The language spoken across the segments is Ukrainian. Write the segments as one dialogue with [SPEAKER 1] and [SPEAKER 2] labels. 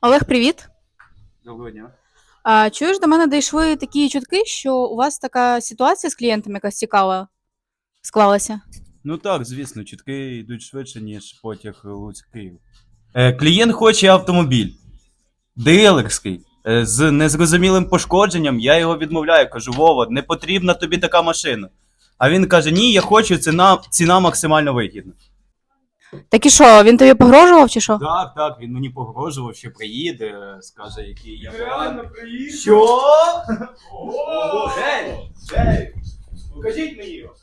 [SPEAKER 1] Олег, привіт.
[SPEAKER 2] Доброго дня.
[SPEAKER 1] Чуєш, до мене дійшли такі чутки, що у вас така ситуація з клієнтами якась цікава склалася.
[SPEAKER 2] Ну так, звісно, чутки йдуть швидше, ніж потяг Луцьк-Київ. Клієнт хоче автомобіль. Дилерський. З незрозумілим пошкодженням, я його відмовляю. Кажу: Вова, не потрібна тобі така машина. А він каже: ні, я хочу, ціна максимально вигідна.
[SPEAKER 1] Так і що, він тобі погрожував чи що?
[SPEAKER 2] Так, він мені погрожував, що приїде, скаже, який я
[SPEAKER 3] Реально приїхав?
[SPEAKER 2] Що? Ого, Гей! Покажіть мені його.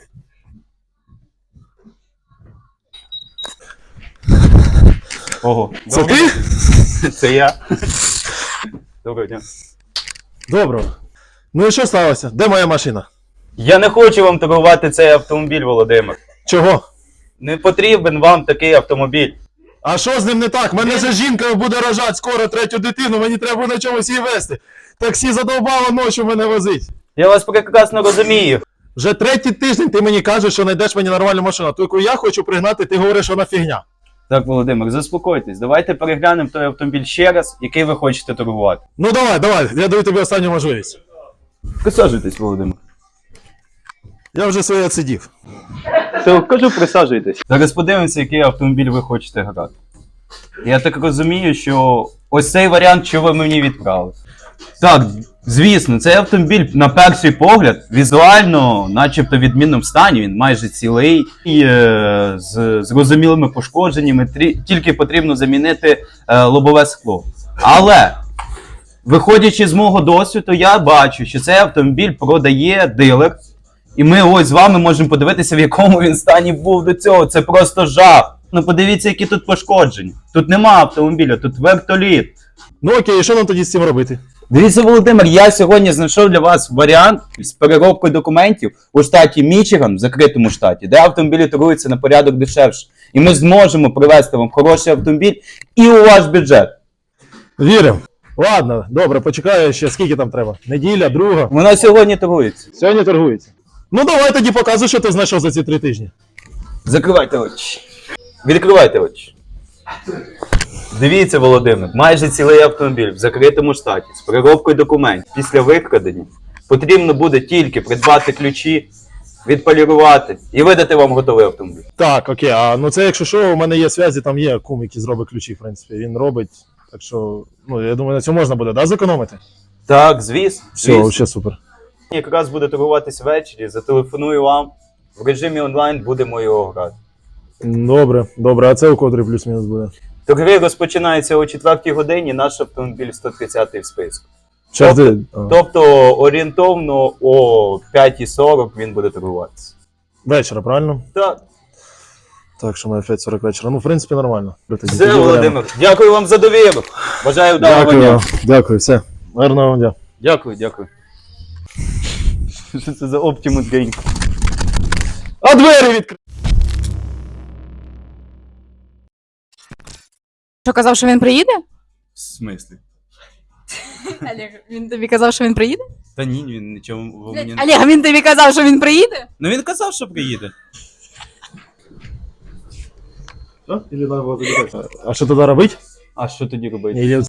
[SPEAKER 2] Ого.
[SPEAKER 3] Це ти?
[SPEAKER 2] Це я. Доброго дня.
[SPEAKER 3] Доброго. Ну і що сталося? Де моя машина?
[SPEAKER 2] Я не хочу вам торгувати цей автомобіль, Володимир.
[SPEAKER 3] Чого?
[SPEAKER 2] Не потрібен вам такий автомобіль.
[SPEAKER 3] А що з ним не так? Мене же жінка буде рожати скоро третю дитину, мені треба на чомусь її везти. Таксі задовбало ночі мене возить.
[SPEAKER 2] Я вас прекрасно розумію.
[SPEAKER 3] Вже третій тиждень ти мені кажеш, що знайдеш мені нормальну машину. Тільки я хочу пригнати, ти говориш, що вона фігня.
[SPEAKER 2] Так, Володимир, заспокойтесь. Давайте переглянемо той автомобіль ще раз, який ви хочете торгувати.
[SPEAKER 3] Ну давай, я даю тобі останню можливість.
[SPEAKER 2] Присаджуйтесь, Володимир.
[SPEAKER 3] Я вже своє відсидів.
[SPEAKER 2] Все, кажу, присаджуйтесь. Зараз подивимося, який автомобіль ви хочете грати. Я так розумію, що ось цей варіант, що ви мені відправили. Так, звісно, цей автомобіль на перший погляд візуально, начебто в відмінному стані, він майже цілий, і, з зрозумілими пошкодженнями, тільки потрібно замінити лобове скло. Але, виходячи з мого досвіду, я бачу, що цей автомобіль продає дилер, і ми ось з вами можемо подивитися, в якому він стані був до цього. Це просто жах. Ну подивіться, які тут пошкодження. Тут нема автомобіля, тут вертоліт.
[SPEAKER 3] Ну окей, що нам тоді з цим робити?
[SPEAKER 2] Дивіться, Володимир, я сьогодні знайшов для вас варіант з переробкою документів у штаті Мічиган, в закритому штаті, де автомобілі торгуються на порядок дешевше. І ми зможемо привезти вам хороший автомобіль і у ваш бюджет.
[SPEAKER 3] Віримо. Ладно, добре, почекаю ще, скільки там треба? Неділя, друга.
[SPEAKER 2] Вона сьогодні торгується.
[SPEAKER 3] Сьогодні торгується. Ну давай тоді показуй, що ти знайшов за ці 3 тижні.
[SPEAKER 2] Закривайте очі. Відкривайте очі. Дивіться, Володимир, майже цілий автомобіль в закритому штаті з переробкою документів. Після викрадення потрібно буде тільки придбати ключі, відполірувати і видати вам готовий автомобіль.
[SPEAKER 3] Так, окей, ну це якщо що, у мене є зв'язі, там є кум, який зробить ключі, в принципі, він робить. Так що, я думаю, на цьому можна буде, да, зекономити?
[SPEAKER 2] Так, звісно.
[SPEAKER 3] Все, взагалі супер.
[SPEAKER 2] Якраз буде торгуватись ввечері, зателефоную вам, в режимі онлайн будемо його грати.
[SPEAKER 3] Добре, а це у котрий плюс-мінус буде?
[SPEAKER 2] Торги розпочинаються о 4-й годині, наш автомобіль 130-й в списку. Тобто орієнтовно о 5:40 він буде торгуватися.
[SPEAKER 3] Вечора, правильно?
[SPEAKER 2] Так.
[SPEAKER 3] Так, що ми 5:40 вечора. Ну, в принципі, нормально.
[SPEAKER 2] Все, Володимир, дякую вам за довіру. Бажаю вдалого дня.
[SPEAKER 3] Дякую, все. Гарного вам дня.
[SPEAKER 2] Дякую. Що це за Optimus Game?
[SPEAKER 3] А двері відкрили!
[SPEAKER 1] Що казав, що він приїде?
[SPEAKER 2] В смислі?
[SPEAKER 1] Олег, він тобі казав, що він приїде?
[SPEAKER 2] Та ні, він нічого мені не...
[SPEAKER 1] Олег, він тобі казав, що він приїде?
[SPEAKER 2] Ну він казав, що приїде.
[SPEAKER 3] А що тоді робити?
[SPEAKER 2] А що тоді робити?